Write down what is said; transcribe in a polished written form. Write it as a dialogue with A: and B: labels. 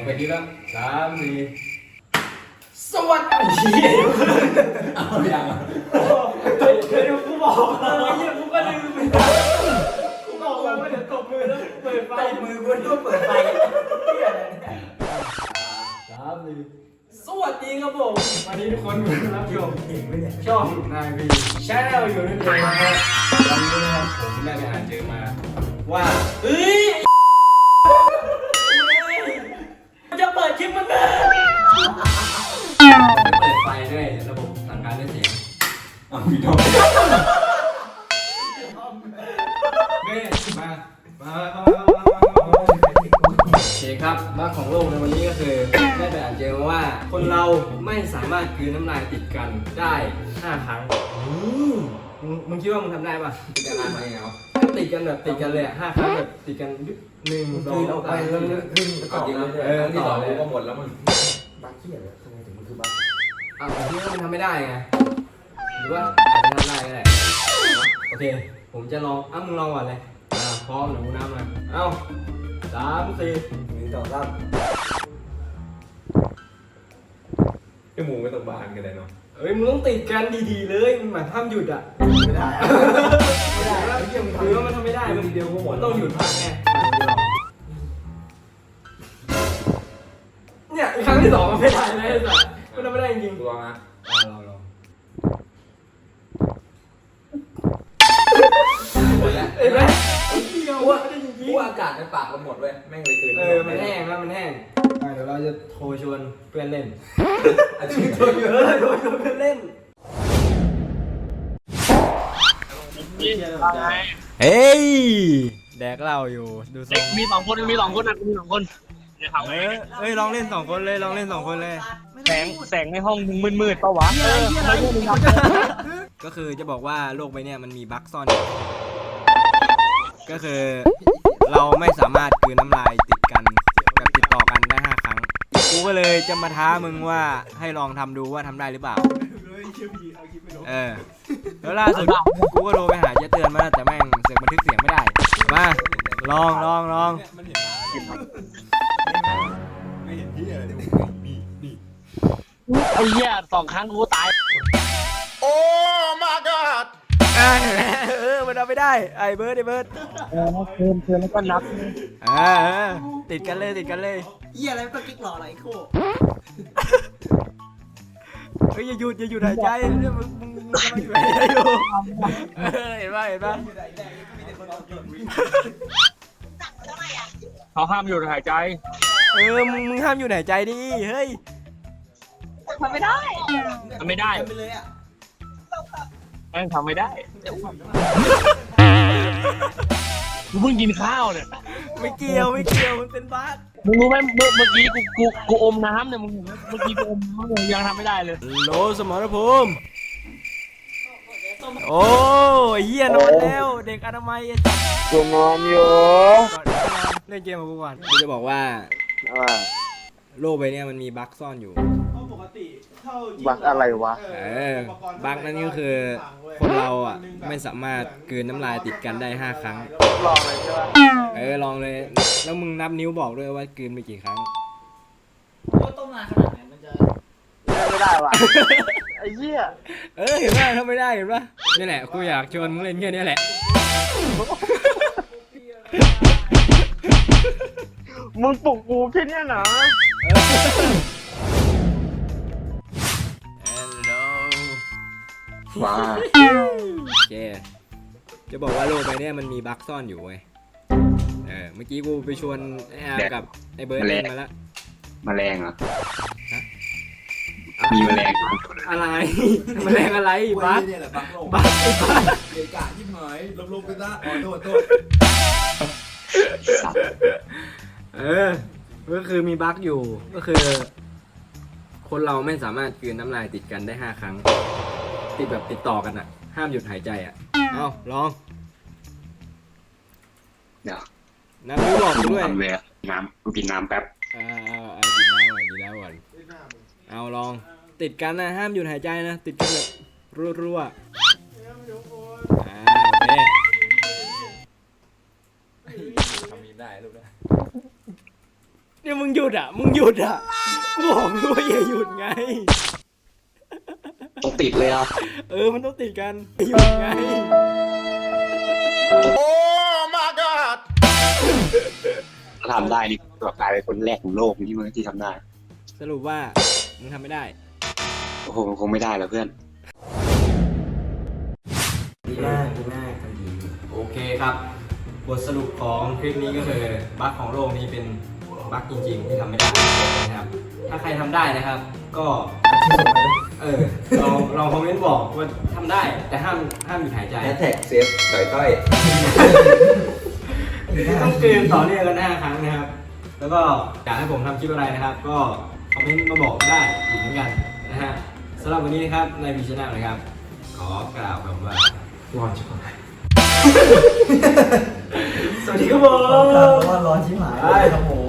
A: ไปดีแล้ว3 4
B: สวัสดี
A: เอาอย่าง
B: เคยดูกูบอกเลยกูก็ลืมไปกูบอกว่าเดี๋ยวตบมือแล้วเปิดไฟมือกูต้องเปิดไฟสวัสดีครับผมวันนี้ทุกคนรับชมช่องนายวีชาแนลอยู่นั่นเองนะครับวันนี้นะครับผมได้ไปอ่านเจอมาว่าจะเปิดคลิปมันเลยเปิดไฟด้วยระบบสั่งการด้วยเสียง
A: พี่น้อง
B: เม่มาโอเคครับมาของโลกในวันนี้ก็คือได้ไปอ่านเจอมาว่าคนเราไม่สามารถกลืนน้ำลายติดกันได้5 ครั้งมึงคิดว่ามึงทำได้ป่ะ
A: ติดกันนานไหมเอา
B: ติดกันแบบติดกันเลย5 ครั้งแบบติดกัน1 2
A: เอาไปแล้วขึ้นต่อเลยที่ต่อเลยก็หมดแล้วมึง
C: บักเขี้ยเลยทำไมถึงมันคือบัก
B: ที่ว่ามันทำไม่ได้ไงหรือว่าอาจจะทำได้ก็ได้โอเคผมจะลองมึงลองก่อนเลยพร้อมหรือกูน้ำมา3 4
C: 1 2 3
A: ไอหมูไม่ต้องบานกันเลยเนาะ
B: เฮ้ยมึงต้องติดกันดีๆเลยมันห้ามหยุดอ่ะ
C: ไม่ได้ไม่ได้แล้วเยี่ยม
B: คือว่ามันทำไม่ได้มัน
A: เดียวก็หมด
B: ต้องหยุดพักไงเนี่ยครั้งที่2มันไม่ได้นะไอ้สัสมันทำไม่ได้จริง
A: ลองนะ
B: ลอง
A: หมดแล้ว
B: เห็นไหม
A: กูอากาศในปากมันหมดเว้ยแม่งเลยตื่น
B: มันแห้งแล้วมันแห้งเดี๋ยวเราจะโทรชวนเพื่อนเล่น
A: โทรช
B: วนเพื่อนเล่นเฮ้ยแดกเหล้าอยู่ดูทรง
D: มี2 คนมี2 คนนะมี2 คน
B: เฮ้ยลองเล่น2 คนเลยลองเล่น2 คนเลย
D: แสงในห้องมึงมืดๆป่าวะไม่ใช่มึงครับ
B: ก็คือจะบอกว่าโลกใบนี้มันมีบั๊กซ่อนอยู่ก็คือเราไม่สามารถกลืนน้ำลายติดกันแบบติดต่อกันได้5 ครั้งกูก็เลยจะมาท้ามึงว่าให้ลองทำดูว่าทำได้หรือเปล่าแล้วล่าสุดกูก็โทรไปหาเจ๊เตือนมาแต่แม่งเสียงบันทึกเสียงไม่ได้มาลอง
A: ไม่เห็นที่อะไรนี่
D: ไอ้เหี้ย2 ครั้งกูตาย
A: โอ้ my god
B: มันเอาไม่ได้ไอ้เบิร์ด
D: เชิญแล้วก็นับ
B: ติดกันเลย
C: เยี่ยอะไรต้องกิ๊กหล่ออะไรโค้
B: เฮ้ยอย่าหยุดหายใจเนี่ยมึงกำลังอยู่ไหนอยู่เห็นป่ะ
D: เขาห้ามหยุดหายใจ
B: มึงห้ามอยู่หายใจดิเฮ้ย
D: ทำไม่ได้แม่งทำไม่ได้กูเพิ่งกินข้าวเนี่ย
B: ไม่เกี่ยวมันเป็นบั๊ก
D: มึงรู้ไหมเมื่อกี้กูอมน้ำเนี่ยมึงเมื่อกี้กูอมน้ำเลยยังทำไม่ได้เลย
B: โลสมรภูมิโอ้ยเหี้ยนอนแล้วเด็กอนามัย
D: กูนอนอยู่
B: เล่นเกมกับกูก่อนกูจะบอกว่าโลกใบนี้มันมีบั๊กซ่อนอยู่
D: บั๊กอะไรวะ
B: บั๊กนั่นก็คือคนเราอ่ะไม่สามารถกลืนน้ำลายติดกันได้5 ครั้ง
D: ลองเลยใช่
B: ป่ะลองเลยแล้วมึงนับนิ้วบอกด้วยว่ากลืนไปกี่ครั้ง
C: ต้มนานขนาดไหนมันจะ
D: ไม่ได้ว่ะไอ้เหี้ย
B: เห็นป่ะถ้าไม่ได้เห็นป่ะนี่แหละกูอยากชวนมึงเล่นแค่นี้แหละ
D: มึงปลุกกูแค่นี้นะ
A: ว้า
B: โอเคจะบอกว่าโลกใบนี้มันมีบั๊กซ่อนอยู่เว้ยเมื่อกี้กูไปชวนไอ้อาร์กับไอ้เบิร์ดเล่นมาแล้ว
A: แมลงเหรอมีแมลง
B: อะไรแมลงอะไรบั๊ก
C: เกะกะยิ่งหน่อยลบกันซะโทษ
B: ก็คือมีบั๊กอยู่ก็คือคนเราไม่สามารถกลืนน้ำลายติดกันได้5 ครั้งติดแบบติดต่อกันอ่ะห้ามหยุดหายใจอ่ะลอง
A: เดี๋ยว
B: น้ำนิ้วบอกด้วย
A: น้ำกูกินน้ำแป๊บ
B: กินน้ำก่อนลองติดกันนะห้ามหยุดหายใจนะติดกันแบบรัวโอเค
A: ทำมีได้ลูกนะ
B: เนี่ยมึงหยุดอ่ะกูบอกมึงว่าอย่าหยุดไง
E: ต้องติดเลยอ่ะ
B: มันต้องติดกันหยุดไง
E: ถ้าทำได้นี่ก็กลายเป็นคนแรกของโลกที่ทำได้
B: สรุปว่ามึงทำไม่ได้
E: โอ้โหคงไม่ได้แล้วเพื่อน
B: ดีมากทันทีโอเคครับบทสรุปของคลิปนี้ก็คือบั๊กของโลกนี้เป็นบั๊กจริงๆที่ทำไม่ได้นะครับ ถ้าใครทำได้นะครับ ก็ลองคอมเมนต์บอกว่าทำได้แต่ห้ามหยุดหายใจ
A: แฮชแท็กเซฟต่อยต้อย
B: ต้องเกมต่อเนื่องกัน5 ครั้งนะครับ แล้วก็อยากให้ผมทำคลิปอะไรนะครับ ก็คอมเมนต์มาบอกได้อีกเหมือนกันนะฮะสำหรับวันนี้นะครับในวีชแนลนะครับ ขอกล่าวคำว่าร้อนชิบหายสวัสดีครับผม
C: ว่าร้อนชิบหายครับผม